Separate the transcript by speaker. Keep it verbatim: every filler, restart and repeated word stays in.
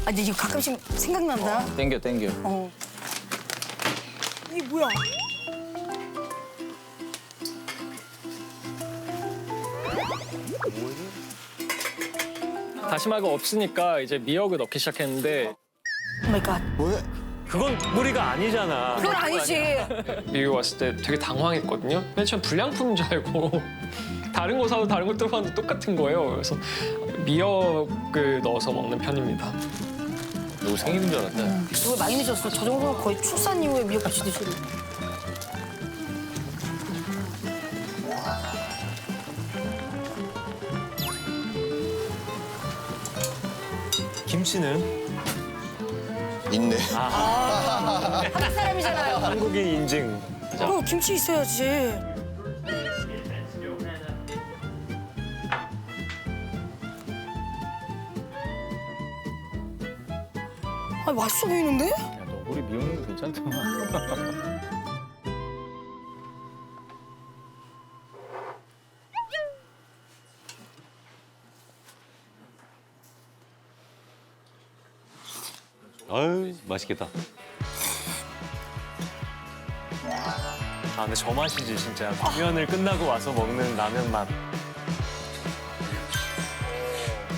Speaker 1: 아, 근데 이거 가끔씩 생각난다.
Speaker 2: 땡겨 땡겨.
Speaker 1: 어. 이게 뭐야?
Speaker 3: 다시마가 없으니까 이제 미역을 넣기 시작했는데
Speaker 1: 오 마이 갓.
Speaker 4: 그건 무리가 아니잖아.
Speaker 1: 그건 아니지.
Speaker 3: 미국 왔을 때 되게 당황했거든요. 맨 처음 불량품인 줄 알고 다른 거 사도 다른 거 들어봤는데 똑같은 거예요. 그래서 미역을 넣어서 먹는 편입니다.
Speaker 2: 누구 생일인 줄 알았다.
Speaker 1: 이거 많이 늦었어. 저 정도면 거의 출산 이후에 미역국수 드시는.
Speaker 4: 김치는
Speaker 5: 있네.
Speaker 1: 한국 사람이잖아요.
Speaker 4: 한국인 인증.
Speaker 1: 어, 김치 있어야지. 아, 맛있어 보이는데?
Speaker 2: 야, 너구리 미역인 거 괜찮다.
Speaker 4: 아유 맛있겠다. 아 근데 저 맛이지 진짜. 공연을 끝나고 와서 먹는 라면 맛.